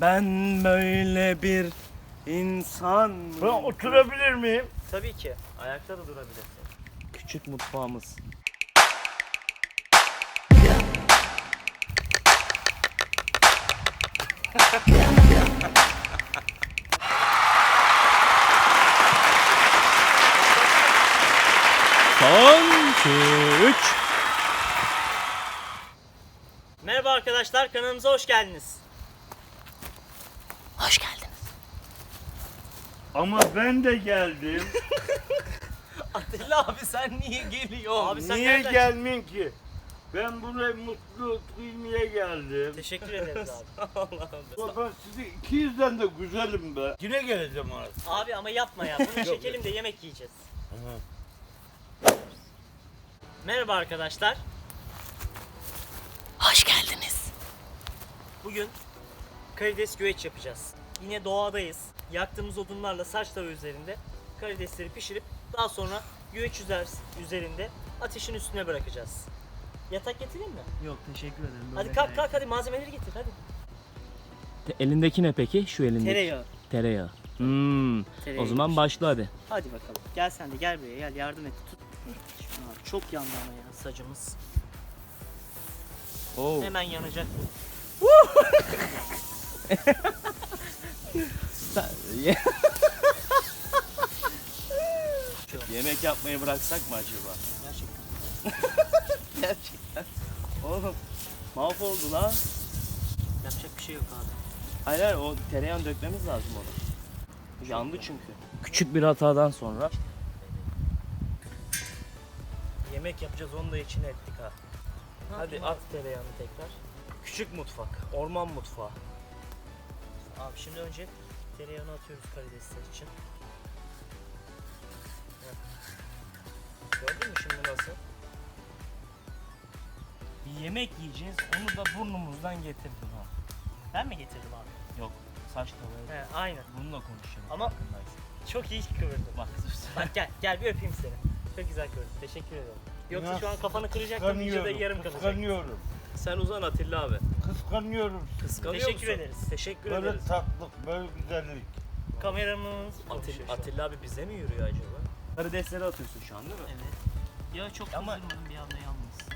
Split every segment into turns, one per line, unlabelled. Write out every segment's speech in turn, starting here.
Ben böyle bir insan
Ben oturabilir miyim?
Tabii ki. Ayakta da durabilirsin. Küçük mutfağımız. Son 2-3. Merhaba arkadaşlar, kanalımıza hoş geldiniz. Hoş geldiniz.
Ama ben de geldim.
Atilla abi sen niye geliyorsun? Abi sen
Niye
nereden-
gelmeyeyim ki? Ben buraya mutlu duymaya geldim.
Teşekkür ederiz abi. Allah'ım.
Ben sizi 200'den de güzelim be. Yine geleceğim artık.
Abi ama yapma ya. Bunu çekelim de yemek yiyeceğiz. Merhaba arkadaşlar. Hoş geldiniz. Bugün karides güveç yapacağız. Yine doğadayız. Yaktığımız odunlarla saç tava üzerinde karidesleri pişirip daha sonra güveç üzerinde ateşin üstüne bırakacağız. Yatak getireyim mi?
Yok teşekkür ederim.
Hadi kalk kalk hadi malzemeleri getir hadi.
Elindeki ne peki? Şu elindeki.
Tereyağı.
Tereyağı.
Tereyağı
O zaman
yemiş.
başla hadi.
Hadi bakalım. Gel sen de gel buraya gel yardım et. Tut. Şunu al. Çok yandı ama ya sacımız.
Oo.
Hemen yanacak bu.
Yemek yapmayı bıraksak mı acaba?
Gerçekten.
Gerçekten. Oğlum mahvoldu lan.
Yapacak bir şey yok abi.
Hayır hayır, o tereyağını dökmemiz lazım onu. Yandı çünkü. Küçük bir hatadan sonra.
Yemek yapacağız onu da içine ettik ha. Hadi at tereyağını tekrar.
Küçük mutfak, orman mutfağı.
Abi şimdi önce tereyağını atıyoruz karidesler için. Heh. Gördün mü şimdi nasıl?
Bir yemek yiyeceğiz, onu da burnumuzdan getirdim ha.
Ben mi getirdim abi?
Yok, saç tavaya.
He aynen.
Bununla konuşalım.
Ama-
farkındaysın.
Çok iyi kıvırdın.
Bak
Bak gel bir öpeyim seni. Çok güzel kıvırdın. Teşekkür ederim. Yoksa
Ya,
şu an kafanı kıracaktım vücuda yarım kalacak.
Kıskanıyorum.
sen uzan Atilla abi.
Kıskanıyorum.
Kıskanıyor
Teşekkür
musun?
ederiz.
Teşekkür
Böyle
ederiz.
tatlılık, böyle güzellik.
Kameramız konuşuyor şu an.
Atilla abi bize mi yürüyor acaba? Karidesleri atıyorsun şu an değil mi?
Evet. Ya çok
Ama-
kızdırmadım bir anda yanmışsın.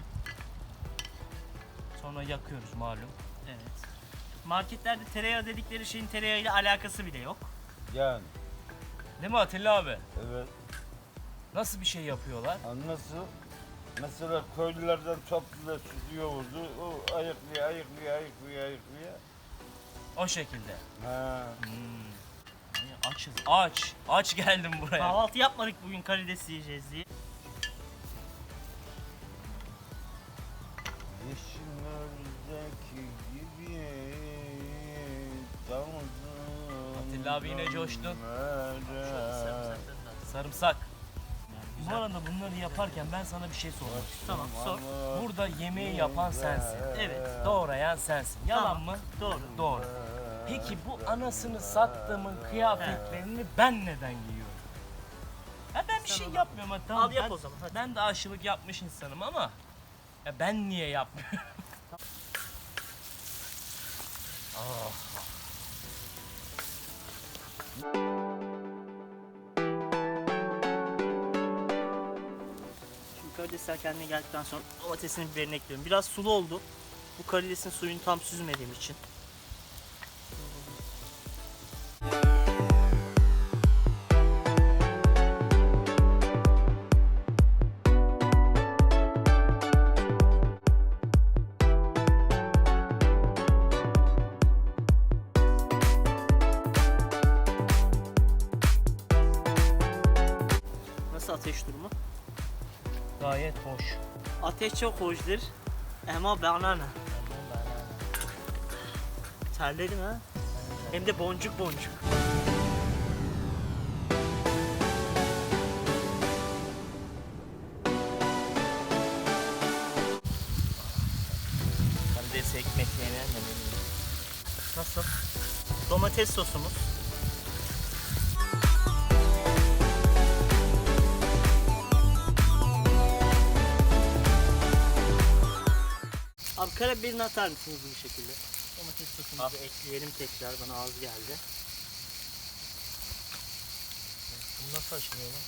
Sonra yakıyoruz malum.
Evet. Marketlerde tereyağı dedikleri şeyin tereyağıyla alakası bile yok.
Yani,
Değil mi Atilla abi?
evet.
Nasıl bir şey yapıyorlar?
Nasıl? Mesela köylülerden topluca sütü yoğurdu. O ayıklıyor.
O şekilde.
Ha.
Açız. Aç geldim buraya.
Kahvaltı yapmadık bugün karides yiyeceğiz diye.
Yeşillerdeki gibi damızım.
Atilla abi yine coştu.
dönmere.
Sarımsak. Bu arada bunları yaparken ben sana bir şey sormak istiyorum.
Tamam sor.
Burada yemeği yapan sensin.
Evet.
Doğrayan sensin. Yalan
Tamam.
mı?
Doğru.
Doğru. Peki bu anasını sattığımın kıyafetlerini ben neden giyiyorum? Ya ben bir
Sen
şey
onu-
yapmıyorum ha, tamam.
Al yap
ben,
o zaman, hadi.
Ben de aşılık yapmış insanım ama ya ben niye yapmıyorum?
Şimdi karidesler kendine geldikten sonra domatesini biberini ekliyorum. Biraz sulu oldu. Bu karidesin suyunu tam süzmediğim için. Nasıl ateş durumu?
Gayet hoş.
Ateş çok hoşdur. Ama bana ne? Terledim ha. Hem de boncuk boncuk.
Karides ekmek yenen de benim.
Nasıl? Domates sosumuz. Abi karabiberini atar mısınız bu şekilde? Domates Domates sosumuzu ekleyelim tekrar. Bana az geldi. Bu nasıl açılıyor lan?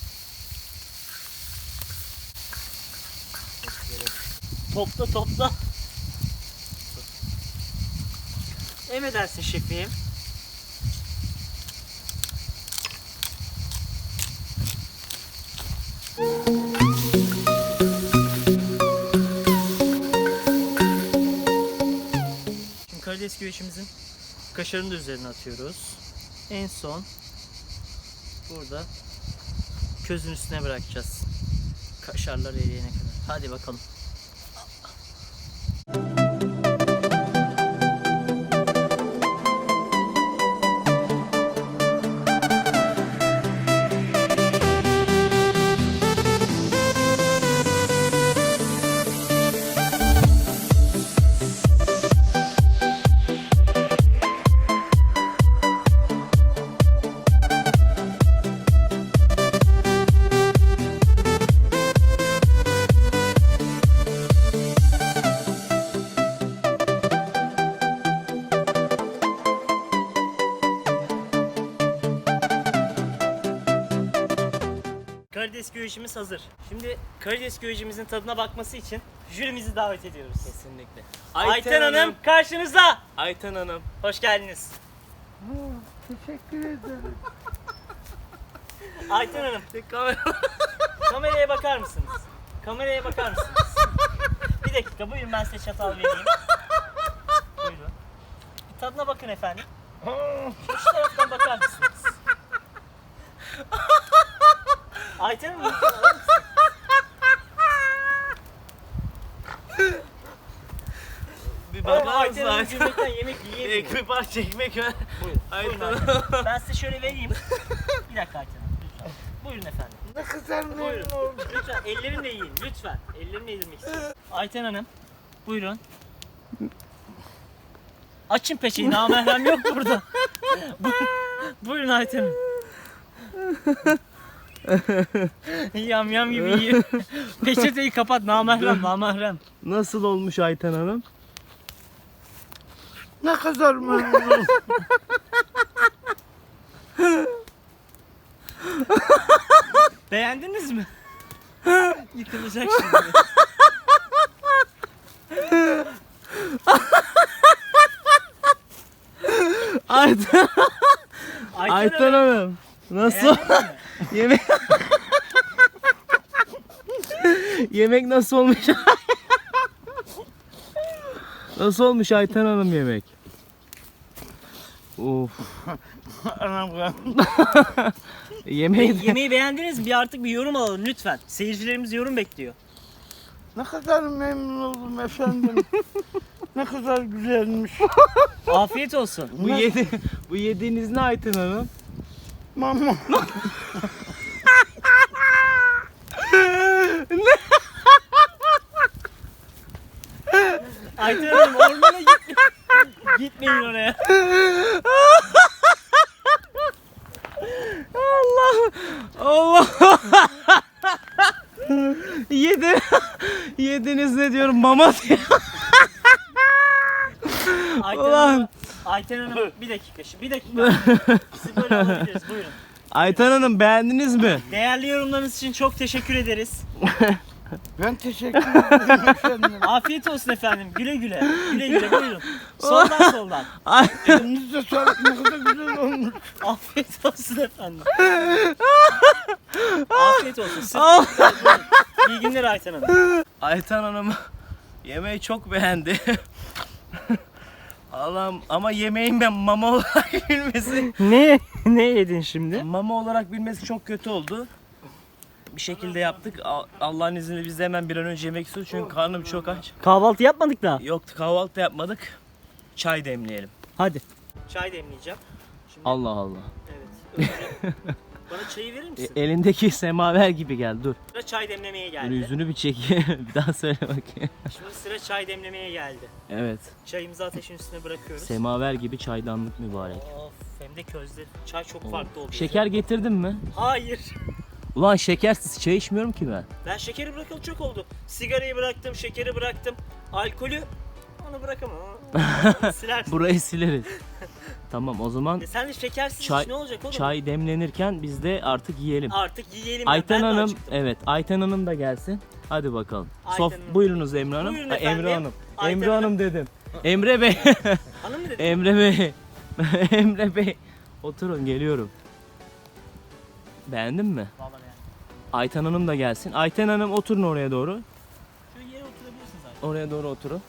Topla. Emredersin şefim. Şimdi karides güveçimizin kaşarını da üzerine atıyoruz. En son burada közün üstüne bırakacağız. Kaşarlar eriyene kadar. Hadi bakalım. Karides güvecimiz hazır. Şimdi karides güvecimizin tadına bakması için jürimizi davet ediyoruz.
Kesinlikle.
Ayten Hanım karşınızda.
Ayten Hanım.
Hoş geldiniz.
Teşekkür ederim.
Ayten Hanım kameraya bakar mısınız? Kameraya bakar mısınız? Bir dakika buyurun, ben size çatal vereyim. Buyurun. Bir tadına bakın efendim. Şu taraftan bakar mısınız? Ayten Hanım lütfen alır mısın?
Bir
Ayten
bakar mısın
Hanım
Ayten?
gülmekten yemek yiyemiyor.
Bir parça ekmek ver.
Buyurun.
Ayten
Buyurun Ayten Hanım. Ben size şöyle vereyim. Bir dakika Ayten Hanım lütfen. Buyurun efendim.
Ne kadar memnun
Buyurun.
oldum.
Lütfen ellerimle yiyin lütfen. Ellerimle yedirmek istiyorum. Ayten Hanım buyurun. Açın peçeyi, namahrem yok burada. Buyurun Ayten Hanım. Yam yam gibi yiyin. Peçeteyi kapat, namahrem.
Nasıl olmuş Ayten Hanım?
Ne kadar memnunum.
Beğendiniz mi? Yıkılacak şimdi.
Ayten
Ayten Hanım.
Hanım. Nasıl? Yemek Yemek nasıl olmuş? Nasıl olmuş Ayten Hanım yemek? Of.
Yemeği beğendiniz mi? Bir artık bir yorum alalım lütfen. Seyircilerimiz yorum bekliyor.
Ne kadar memnun oldum efendim. Ne kadar güzelmiş.
Afiyet olsun.
Bu yediğiniz ne Ayten Hanım?
Mama.
Ayten Hanım ormana gitmeyin oraya.
Allah. Yediniz ne diyorum, mama diyor.
Ayten
Ulan.
Hanım, Ayten Hanım bir dakika. Sizi böyle alabiliriz, buyurun.
Ayten Hanım beğendiniz mi?
Değerli yorumlarınız için çok teşekkür ederiz.
Ben teşekkür ederim efendim.
Afiyet olsun efendim. Güle güle. Güle güle buyurun. Soldan.
Elinize sağlık, ne kadar güzel olmuş.
Afiyet olsun efendim. Afiyet olsun. Buyurun. İyi günler Ayten Hanım.
Ayten Hanım yemeği çok beğendi. Allah'ım, ama yemeğin ben mama olarak bilmesi.
Ne yedin şimdi?
Mama olarak bilmesi çok kötü oldu. Bir şekilde yaptık. Allah'ın izniyle biz de hemen bir an önce yemek istiyoruz çünkü karnım çok aç.
Kahvaltı yapmadık da.
Yoktu, kahvaltı yapmadık. Çay demleyelim.
Hadi. Çay demleyeceğim. Şimdi,
Allah Allah.
Evet. Önce bana çayı verir misin?
Elindeki semaver gibi geldi. Dur.
Sıra çay demlemeye
Dur,
geldi.
yüzünü bir çek. Bir daha söyle bakayım.
Şimdi sıra çay demlemeye geldi.
Evet.
Çayımızı ateşin üstüne bırakıyoruz.
Semaver gibi çaydanlık mübarek.
Of, hem de közde. Çay çok farklı oldu.
Şeker getirdin mi?
Hayır.
Ulan şekersiz çay içmiyorum ki ben.
Ben şekeri bırakalı çok oldu. Sigarayı bıraktım, şekeri bıraktım. Alkolü Onu bırakamam. Silersin.
Burayı sileriz. Tamam o zaman
Sen de şekersiz
Çay-
iç, ne olacak oğlum?
çay demlenirken biz de artık yiyelim.
Artık yiyelim ya,
Ayten
ben de
Hanım,
acıktım.
evet Ayten Hanım da gelsin. Hadi bakalım.
Ayten Hanım.
Buyurunuz Emre Hanım.
Buyurun
Emre
efendim.
Hanım.
Ayten
Emre
Hanım.
Hanım dedim. Emre Bey.
Hanım mı dedin?
Emre Bey. Emre Bey. Oturun geliyorum. Beğendin mi?
Vallahi yani.
Ayten Hanım da gelsin. Ayten Hanım oturun oraya doğru.
Şöyle yere oturabilirsin zaten.
Oraya doğru oturun.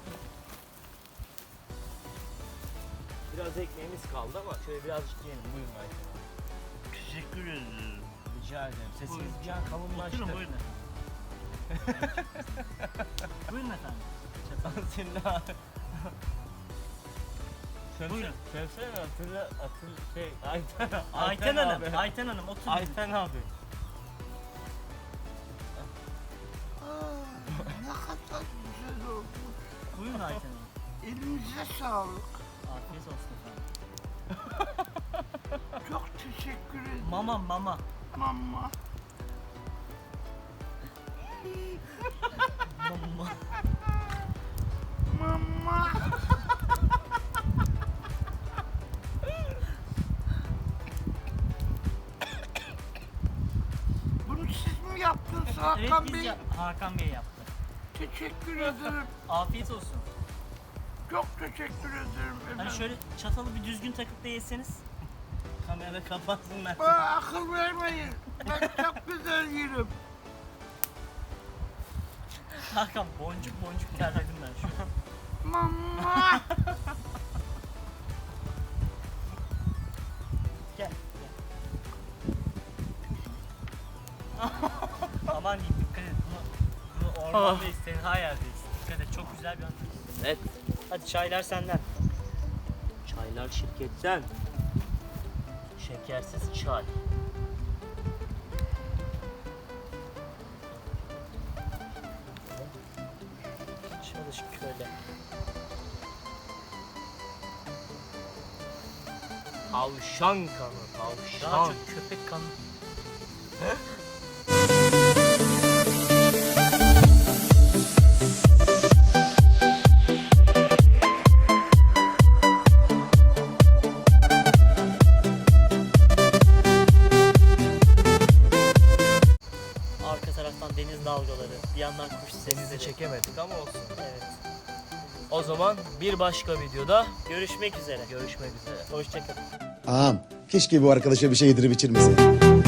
Biraz ekmeğimiz kaldı ama şöyle birazcık yiyelim. Buyurun Ayten Hanım.
Teşekkür ederim.
Rica ederim. Sesiniz bir an kalınlaştı.
Oturun buyurun efendim. Buyurun efendim.
Senin abi.
Buyurun.
Söylesene Ayten
Ayten Hanım,
abi.
Ayten Hanım oturun.
Ayten abi.
Ne kadar güzel oldu.
Buyurun Ayten Hanım.
Elinize sağlık.
Afiyet olsun efendim.
Çok teşekkür ederim.
Mama.
Mama.
Mama.
Mama. Bunu siz mi yaptınız
Evet
Hakan
biz
Bey?
Hakan Bey yaptı.
Teşekkür ederim.
Afiyet olsun.
Çok teşekkür ederim
Hani
efendim.
şöyle çatalı bir düzgün takıp da yeseniz.
Kamera kapatsınlar.
Bana akıl vermeyin. Ben çok güzel yerim.
Hakan boncuk terledim ben şu an.
Mama.
Gel. Aman diyeyim dikkat et. Bunu ormandayız, tenha yerdeyiz. Dikkat et, çok güzel bir an.
Evet.
Hadi çaylar senden.
Çaylar şirketten. Şekersiz çay.
Çalışık köle.
Tavşan kanı,
Daha
tavşan.
çok köpek kanı. Arka taraftan deniz dalgaları, bir yandan kuş
Denizi
sesleri.
çekemedik ama olsun.
Evet.
O zaman bir başka videoda
Görüşmek üzere.
görüşmek üzere.
Hoşçakalın.
Ağam, keşke bu arkadaşa bir şey yedirip içirmese.